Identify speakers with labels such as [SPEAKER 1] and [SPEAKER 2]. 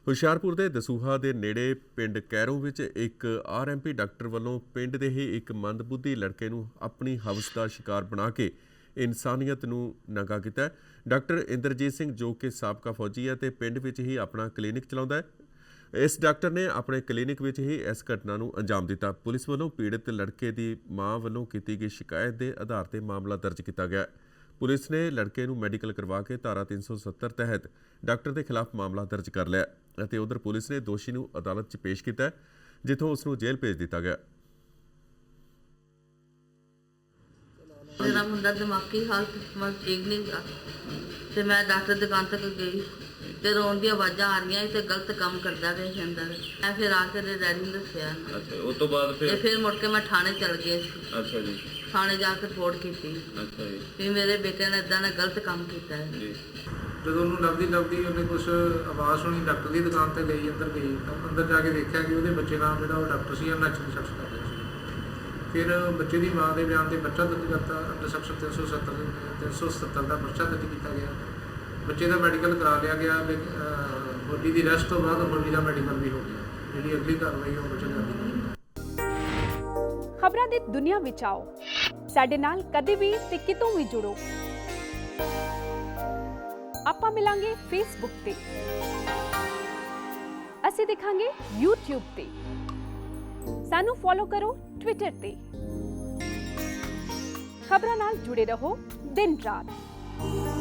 [SPEAKER 1] ਹੁਸ਼ਿਆਰਪੁਰ ਦੇ ਦਸੂਹਾ ਦੇ ਨੇੜੇ ਪਿੰਡ ਕੈਰੋਂ ਵਿੱਚ ਇੱਕ ਆਰਐਮਪੀ ਡਾਕਟਰ ਵੱਲੋਂ ਪਿੰਡ ਦੇ ਹੀ ਇੱਕ ਮੰਦਬੁੱਧੀ ਲੜਕੇ ਨੂੰ ਆਪਣੀ ਹਵਸ ਦਾ ਸ਼ਿਕਾਰ ਬਣਾ ਕੇ ਇਨਸਾਨੀਅਤ ਨੂੰ ਨੰਗਾ ਕੀਤਾ। ਡਾਕਟਰ ਇੰਦਰਜੀਤ ਸਿੰਘ ਜੋ ਕਿ ਸਾਬਕਾ ਫੌਜੀ ਹੈ ਤੇ ਪਿੰਡ ਵਿੱਚ ਹੀ ਆਪਣਾ ਕਲੀਨਿਕ ਚਲਾਉਂਦਾ ਹੈ। ਇਸ ਡਾਕਟਰ ਨੇ ਆਪਣੇ ਕਲੀਨਿਕ ਵਿੱਚ ਹੀ ਇਸ ਘਟਨਾ ਨੂੰ ਅੰਜਾਮ ਦਿੱਤਾ। ਪੁਲਿਸ ਵੱਲੋਂ ਪੀੜਤ ਲੜਕੇ ਦੀ ਮਾਂ ਵੱਲੋਂ ਕੀਤੀ ਗਈ ਸ਼ਿਕਾਇਤ ਦੇ ਆਧਾਰ ਤੇ ਮਾਮਲਾ ਦਰਜ ਕੀਤਾ ਗਿਆ। ਪੁਲਿਸ ਨੇ ਲੜਕੇ ਨੂੰ ਮੈਡੀਕਲ ਕਰਵਾ ਕੇ ਧਾਰਾ 370 ਤਹਿਤ ਡਾਕਟਰ ਦੇ ਖਿਲਾਫ ਮਾਮਲਾ ਦਰਜ ਕਰ ਲਿਆ ਅਤੇ ਉਧਰ ਪੁਲਿਸ ਨੇ ਦੋਸ਼ੀ ਨੂੰ ਅਦਾਲਤ 'ਚ ਪੇਸ਼ ਕੀਤਾ, ਜਿੱਥੋਂ ਉਸ ਨੂੰ ਜੇਲ੍ਹ ਭੇਜ ਦਿੱਤਾ ਗਿਆ।
[SPEAKER 2] मेरा मुंडा दिमागी हालत मत ठीक नहीं था तो मैं डॉक्टर दुकान तक गई तो रोन दी आवाज़ा आ रही तो गलत काम करता रहे अंदर। मैं फिर आके डैडी ने दसिया।
[SPEAKER 3] अच्छा, उस तो बाद
[SPEAKER 2] फिर मुड़ के मैं थाने चल गई।
[SPEAKER 3] अच्छा जी।
[SPEAKER 2] थाने जाके रिपोर्ट की।
[SPEAKER 3] अच्छा जी।
[SPEAKER 2] भी मेरे बेटे ने इदा गलत काम किया है
[SPEAKER 3] जी।
[SPEAKER 4] ਜਦੋਂ ਉਹਨੂੰ ਲੱਭਦੀ ਉਹਨੇ ਕੁਛ ਆਵਾਜ਼ ਸੁਣੀ, ਡਾਕਟਰ ਦੀ ਦੁਕਾਨ ਤੇ ਗਈ, ਅੰਦਰ ਗਈ ਤਾਂ ਅੰਦਰ ਜਾ ਕੇ ਦੇਖਿਆ ਕਿ ਉਹਦੇ ਬੱਚੇ ਨਾਲ ਜਿਹੜਾ ਉਹ ਡਾਕਟਰ ਸੀ ਨੈਚੁਰਲ ਸ਼ਖਸ ਕਰ ਰਿਹਾ ਸੀ। ਫਿਰ ਬੱਚੇ ਦੀ ਮਾਂ ਦੇ ਬਿਆਨ ਤੇ ਪਰਚਾ ਦਰਜ ਕਰਤਾ, ਅੰਡਰ ਸੈਕਸ਼ਨ 370 ਦਾ ਪਰਚਾ ਦਰਜ ਕੀਤਾ ਗਿਆ। ਬੱਚੇ ਦਾ ਮੈਡੀਕਲ ਕਰਾ ਲਿਆ ਗਿਆ। ਬੋਡੀ ਦੀ ਰੈਸਟ ਤੋਂ ਬਾਅਦ ਬੋਡੀ ਦਾ ਮੈਡੀਕਲ ਵੀ ਹੋ ਗਿਆ। ਜਿਹੜੀ ਅਗਲੀ ਕਾਰਵਾਈ ਉਹ ਬੱਚੇ ਦੀ।
[SPEAKER 5] ਖਬਰਾਂ ਦੀ ਦੁਨੀਆ ਵਿੱਚ ਆਓ, ਸਾਡੇ ਨਾਲ ਕਦੇ ਵੀ ਤੇ ਕਿਤੋਂ ਵੀ ਜੁੜੋ। ਆਪਾਂ ਮਿਲਾਂਗੇ ਫੇਸਬੁੱਕ ਤੇ, ਅਸੀਂ ਦਿਖਾਂਗੇ YouTube ਤੇ, ਸਾਨੂੰ ਫੋਲੋ ਕਰੋ ਟਵਿੱਟਰ ਤੇ। ਖਬਰਾਂ ਨਾਲ ਜੁੜੇ ਰਹੋ ਦਿਨ ਰਾਤ।